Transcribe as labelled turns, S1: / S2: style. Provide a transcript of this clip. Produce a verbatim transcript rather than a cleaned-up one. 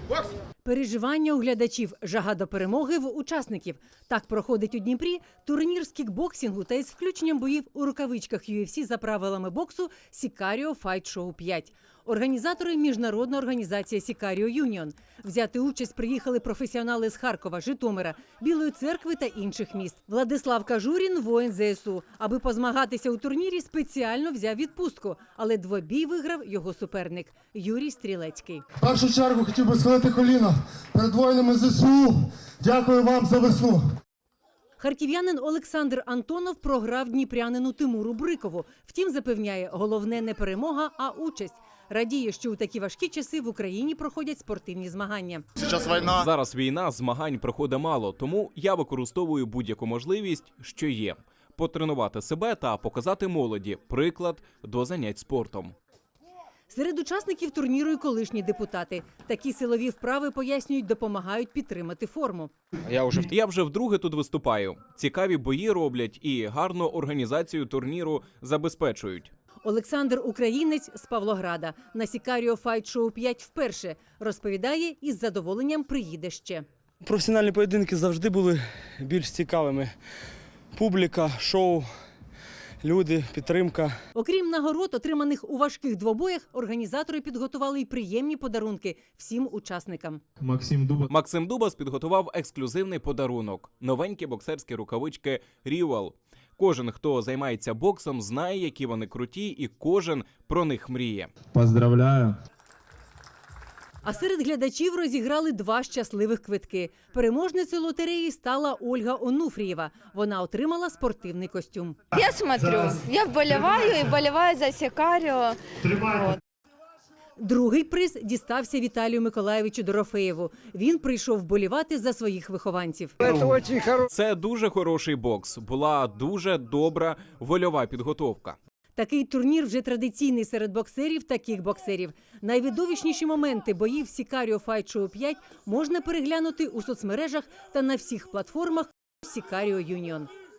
S1: Переживання у глядачів, жага до перемоги в учасників. Так проходить у Дніпрі турнір з кікбоксингу та із включенням боїв у рукавичках ю еф сі за правилами боксу Сікаріо Файт Шоу п'ять. Організатори – міжнародна організація Сікаріо Юніон. Взяти участь приїхали професіонали з Харкова, Житомира, Білої Церкви та інших міст. Владислав Кажурін – воїн зе ес у. Аби позмагатися у турнірі, спеціально взяв відпустку. Але двобій виграв його суперник – Юрій Стрілецький.
S2: В першу чергу хотів би схилити коліна перед воїнами зе ес у. Дякую вам за весну.
S1: Харків'янин Олександр Антонов програв дніпрянину Тимуру Брикову. Втім, запевняє, головне не перемога, а участь. Радіє, що у такі важкі часи в Україні проходять спортивні змагання.
S3: Зараз війна.
S4: Зараз війна, змагань проходить мало, тому я використовую будь-яку можливість, що є. Потренувати себе та показати молоді приклад до занять спортом.
S1: Серед учасників турніру і колишні депутати. Такі силові вправи, пояснюють, допомагають підтримати форму.
S4: Я вже, я вже вдруге тут виступаю. Цікаві бої роблять і гарну організацію турніру забезпечують.
S1: Олександр – українець з Павлограда. На Сікаріо Файт Шоу п'ять вперше. Розповідає, із задоволенням приїде ще.
S5: Професіональні поєдинки завжди були більш цікавими. Публіка, шоу, люди, підтримка.
S1: Окрім нагород, отриманих у важких двобоях, організатори підготували й приємні подарунки всім учасникам.
S6: Максим Дуба.
S4: Максим Дубас підготував ексклюзивний подарунок – новенькі боксерські рукавички «Рівел». Кожен, хто займається боксом, знає, які вони круті, і кожен про них мріє.
S6: Поздравляю.
S1: А серед глядачів розіграли два щасливих квитки. Переможницею лотереї стала Ольга Онуфрієва. Вона отримала спортивний костюм.
S7: Я смотрю, я вболіваю і вболіваю за Сікаріо.
S1: Другий приз дістався Віталію Миколаєвичу Дорофеєву. Він прийшов вболівати за своїх вихованців.
S4: Це дуже хороший бокс. Була дуже добра вольова підготовка.
S1: Такий турнір вже традиційний серед боксерів та кікбоксерів. Найвидовищніші моменти боїв Сікаріо Файт Шоу п'ять можна переглянути у соцмережах та на всіх платформах Сікаріо Юніон.